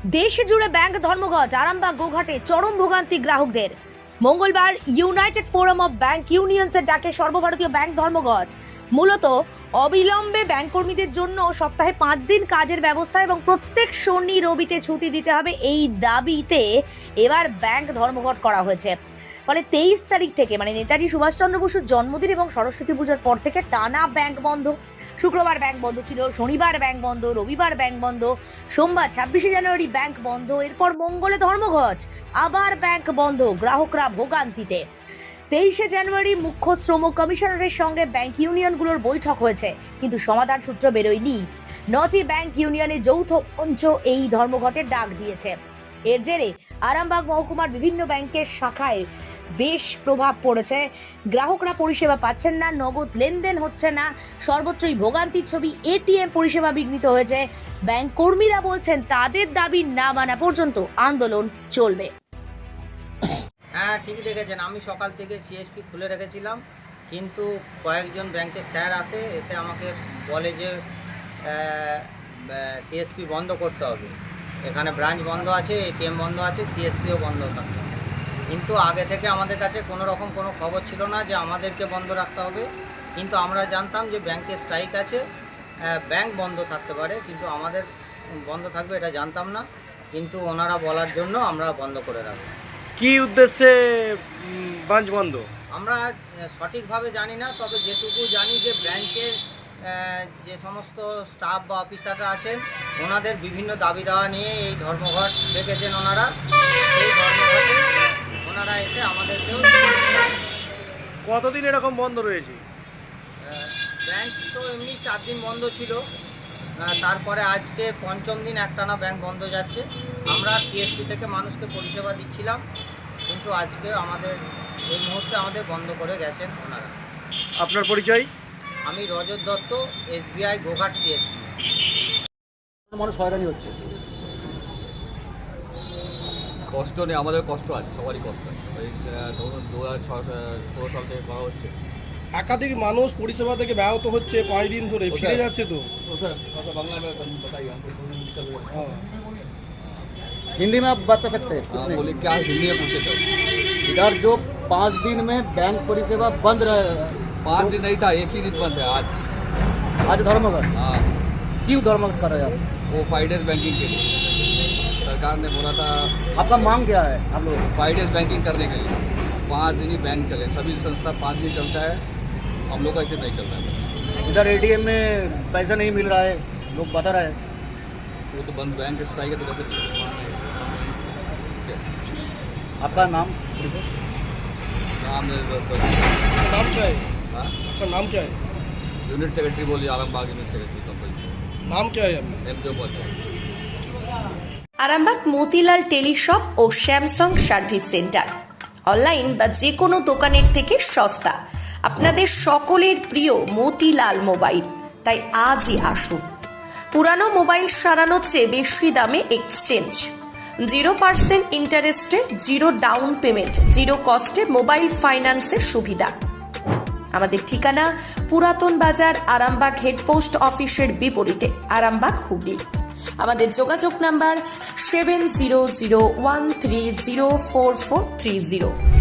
দেশে জুড়ে ব্যাংক ধর্মঘট, আরামবাগ গোঘাটে চরম ভোগান্তি গ্রাহকদের। মঙ্গলবার ইউনাইটেড ফোরাম অফ ব্যাংক ইউনিয়নসের ডাকে সর্বভারতীয় ব্যাংক ধর্মঘট। মূলত অবিলম্বে ব্যাংক কর্মীদের জন্য সপ্তাহে 5 দিন কাজের ব্যবস্থা এবং প্রত্যেক শনি রবিতে ছুটি দিতে হবে, এই দাবিতে এবার ব্যাংক ধর্মঘট করা হয়েছে। ফলে 23 তারিখ থেকে মানে নেতাজি সুভাষচন্দ্র বসুর জন্মদিন এবং সরস্বতী পুজোর পর থেকে টানা ব্যাংক বন্ধ। শুক্রবার ব্যাংক বন্ধ ছিল, শনিবার ব্যাংক বন্ধ, রবিবার ব্যাংক বন্ধ, সোমবার 26শে জানুয়ারি ব্যাংক বন্ধ, এরপর মঙ্গলে ধর্মঘট, আবার ব্যাংক বন্ধ, গ্রাহকরা ভোগান্তিতে। 23শে জানুয়ারি মুখ্য শ্রম কমিশনারের সঙ্গে ব্যাংক ইউনিয়নগুলোর বৈঠক হয়েছে, কিন্তু সমাধান সূত্র বেরোয়নি। 9টি ব্যাংক ইউনিয়নের যৌথ মঞ্চ এই ধর্মঘটের ডাক দিয়েছে। এর জেরে আরামবাগ মহকুমার বিভিন্ন ব্যাংকের শাখায় বেশ প্রভাব পড়েছে। গ্রাহকরা পরিষেবা পাচ্ছেন না, নগদ লেনদেন হচ্ছে না, সর্বত্রই ভোগান্তির ছবি। এটিএম পরিষেবা বিঘ্নিত হয়েছে। ব্যাংক কর্মীরা বলছেন তাদের দাবি না মানা পর্যন্ত আন্দোলন চলবে। হ্যাঁ, ঠিকই দেখেছেন। আমি সকাল থেকে সিএসপি খুলে রেখেছিলাম, কিন্তু কয়েকজন ব্যাংকের স্যার এসে আমাকে বলে যে সিএসপি বন্ধ করতে হবে, এখানে ব্রাঞ্চ বন্ধ আছে, এটিএম বন্ধ আছে, সিএসপিও বন্ধ থাকবে। কিন্তু আগে থেকে আমাদের কাছে কোনো রকম কোনো খবর ছিল না যে আমাদেরকে বন্ধ রাখতে হবে। কিন্তু আমরা জানতাম যে ব্যাংকে স্ট্রাইক আছে, ব্যাংক বন্ধ থাকতে পারে, কিন্তু আমাদের বন্ধ থাকবে এটা জানতাম না। কিন্তু ওনারা বলার জন্য আমরা বন্ধ করে রাখবো। কি উদ্দেশ্যে ব্রাঞ্চ বন্ধ আমরা সঠিকভাবে জানি না, তবে যেটুকু জানি যে ব্যাংকের যে সমস্ত স্টাফ বা অফিসাররা আছেন ওনাদের বিভিন্ন দাবি দাওয়া নিয়ে এই ধর্মঘট ডেকেছেন ওনারা। এই ধর্মঘটে ওনারা এসে আমাদেরকেও কতদিন এরকম বন্ধ রয়েছে? ব্রাঞ্চ তো এমনি 4 দিন বন্ধ ছিল, তারপরে আজকে 5ম দিন একটানা ব্যাংক বন্ধ যাচ্ছে। আমরা সিএসপি থেকে মানুষকে পরিষেবা দিচ্ছিলাম, কিন্তু আজকে এই মুহূর্তে আমাদের বন্ধ করে গেছেন ওনারা। আপনার পরিচয়? আমি রজত দত্ত, এসবিআই গোঘাট সিএসপি। মানুষ হয়রানি হচ্ছে। কষ্ট নেই, আমাদের কষ্ট আছে, সবারই কষ্ট আছে। এই ধরুন 2016 সাল থেকে করা হচ্ছে। একাধিক মানুষ পরিষেবা থেকে ব্যাহত হচ্ছে, 5 দিন ধরে ফিরে যাচ্ছে তো। বাংলা में बताइए हमको हिंदी में आप बता सकते हैं? हाँ, बोले क्या हिंदी में पूछे तो इधर जो 5 दिन में बैंक परिसेवा बंद रहे, 5 दिन नहीं था, एक ही दिन बंद है आज। आज धर्मघट। हाँ, क्यों धर्मघट कर रहे हैं आप? वो 5 डेज बैंकिंग के लिए सरकार ने बोला था। आपका मांग क्या है आप लोग? 5 डेज बैंकिंग करने के लिए 5 दिन ही बैंक चले। सभी संस्था 5 दिन चलता है, हम लोग का ऐसे नहीं चलता है। इधर एटीएम में पैसा नहीं मिल रहा है, लोग बता रहे हैं। वो तो बंद, बैंक स्ट्राइक है तो कैसे? आपका नाम? नाम नाम क्या है? हाँ, आपका नाम क्या है? यूनिट सेक्रेटरी बोलिए, आलमबाग यूनिट सेक्रेटरी कंपनी। नाम क्या है आपका? एमपीओ बोलते हैं। আরামবাগ মতিলাল টেলিশপ ও স্যামসাং সার্ভিস সেন্টার অনলাইন বা যে কোনো দোকানের থেকে সস্তা। আপনাদের সকলের প্রিয় মতিলাল মোবাইল, তাই আজই আসুন। পুরানো মোবাইল সারানোর চেয়ে বেশি দামে এক্সচেঞ্জ, 0% ইন্টারেস্টে, 0 ডাউন পেমেন্ট, 0 কস্টে মোবাইল ফাইন্যান্সের সুবিধা। আমাদের ঠিকানা পুরাতন বাজার, আরামবাগ হেডপোস্ট অফিসের বিপরীতে, আরামবাগ হুগলি। আমাদের যোগাযোগ নাম্বার 7001304430।